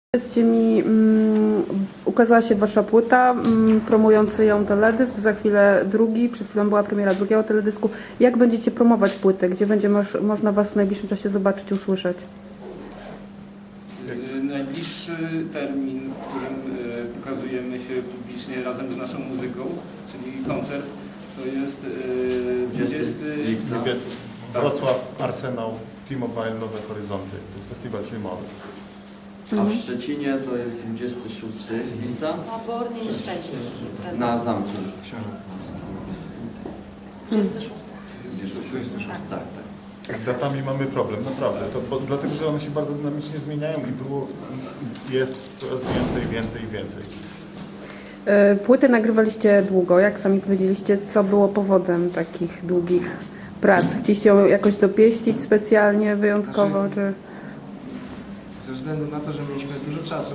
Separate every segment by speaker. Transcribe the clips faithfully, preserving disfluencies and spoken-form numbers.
Speaker 1: Powiedzcie mi, um, ukazała się wasza płyta, um, promujący ją teledysk, za chwilę drugi, przed chwilą była premiera drugiego teledysku. Jak będziecie promować płytę? Gdzie będzie moż, można was w najbliższym czasie zobaczyć, usłyszeć?
Speaker 2: Najbliższy termin, w którym y, pokazujemy się publicznie razem z naszą muzyką, czyli koncert, to jest y, dwudziestego lipca.
Speaker 3: Wrocław, Arsenał, T-Mobile, Nowe Horyzonty. To jest festiwal filmowy.
Speaker 4: A w Szczecinie to jest dwudziestego szóstego lipca
Speaker 5: Na Bornie i Szczecin.
Speaker 4: na zamku.
Speaker 5: dwudziestego szóstego.
Speaker 4: Tak, tak.
Speaker 3: Z datami mamy problem, naprawdę. To, bo, dlatego, że one się bardzo dynamicznie zmieniają i było, jest coraz więcej, więcej i więcej.
Speaker 1: Płytę nagrywaliście długo, jak sami powiedzieliście, co było powodem takich długich prac? Chcieliście ją jakoś dopieścić specjalnie, wyjątkowo,
Speaker 6: Znaczy,
Speaker 1: czy...
Speaker 6: Ze względu na to, że mieliśmy dużo czasu,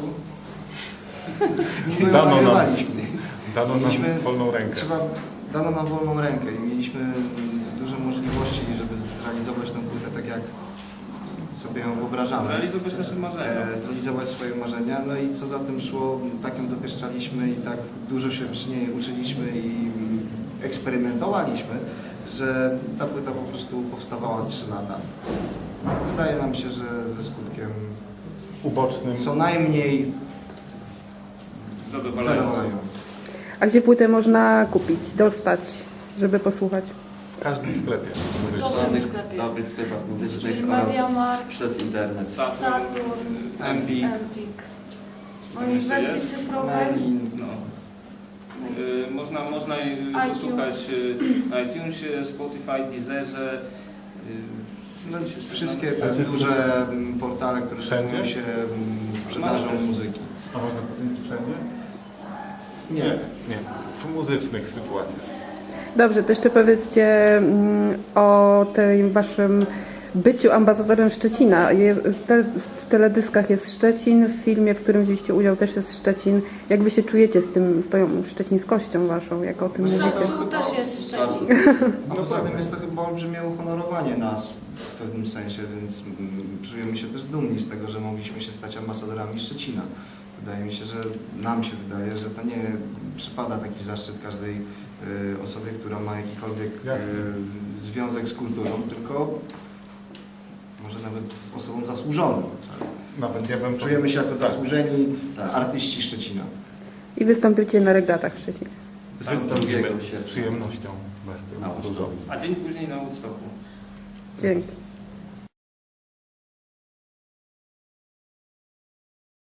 Speaker 3: Dano nam,
Speaker 6: nagrywaliśmy.
Speaker 3: dano nam
Speaker 6: Mieliśmy-
Speaker 3: wolną rękę.
Speaker 6: Trzeba, dano nam wolną rękę i mieliśmy dużo możliwości, żeby zrealizować tę płytę tak, jak sobie ją wyobrażamy.
Speaker 2: Realizować nasze marzenia.
Speaker 6: E, zrealizować swoje marzenia, no i co za tym szło, tak ją dopieszczaliśmy i tak dużo się przy niej uczyliśmy i eksperymentowaliśmy, że ta płyta po prostu powstawała trzy lata. Wydaje nam się, że ze skutkiem
Speaker 3: Ubocznym.
Speaker 6: co najmniej
Speaker 2: Zadowalające.
Speaker 6: zadowalającym.
Speaker 1: A gdzie płytę można kupić, dostać, żeby posłuchać?
Speaker 3: W każdym sklepie
Speaker 5: W
Speaker 3: muzycznym.
Speaker 5: dobrym
Speaker 4: W
Speaker 5: sklepie.
Speaker 4: dobrych sklepach
Speaker 5: Czyli
Speaker 4: muzycznych oraz
Speaker 5: Mediamarkt,
Speaker 4: przez internet.
Speaker 5: Saturn,
Speaker 6: Empik,
Speaker 5: Empik. No i w wersji cyfrowej
Speaker 6: Melin.
Speaker 2: No. Y, można można y,
Speaker 5: iTunes.
Speaker 2: posłuchać y, na iTunesie, Spotify, Deezerze. y,
Speaker 6: No,
Speaker 2: gdzieś jeszcze
Speaker 6: wszystkie
Speaker 2: tam.
Speaker 6: te duże mm, portale, które
Speaker 3: Wszędzie?
Speaker 6: zajmują się mm, sprzedażą muzyki.
Speaker 3: A można powiedzieć wszędzie?
Speaker 6: Nie.
Speaker 3: Nie. W muzycznych sytuacjach.
Speaker 1: Dobrze, to jeszcze powiedzcie mm, o tym waszym byciu ambasadorem Szczecina. Je, te, w teledyskach jest Szczecin, w filmie, w którym wzięliście udział, też jest Szczecin. Jak wy się czujecie z tym, z tą szczecińskością waszą, jak o tym
Speaker 5: w
Speaker 1: mówicie?
Speaker 5: Zacu też jest Szczecin.
Speaker 6: A poza tym jest to chyba olbrzymie uhonorowanie nas w pewnym sensie, więc mm, czujemy się też dumni z tego, że mogliśmy się stać ambasadorami Szczecina. Wydaje mi się, że nam się wydaje, że to nie przypada taki zaszczyt każdej y, osobie, która ma jakikolwiek
Speaker 3: Jasne.
Speaker 6: y, związek z kulturą, tylko może nawet osobą zasłużoną.
Speaker 3: Nawet ja bym
Speaker 6: Czujemy się jako
Speaker 3: tak.
Speaker 6: zasłużeni
Speaker 4: Tak.
Speaker 6: artyści Szczecina.
Speaker 1: I wystąpicie na regatach w Szczecinie.
Speaker 4: drugiego
Speaker 3: Wystąpimy
Speaker 4: sierpnia.
Speaker 3: z przyjemnością
Speaker 4: Na
Speaker 3: bardzo dużo.
Speaker 4: Woodstocku.
Speaker 2: A dzień później na Woodstocku.
Speaker 1: Dzięki.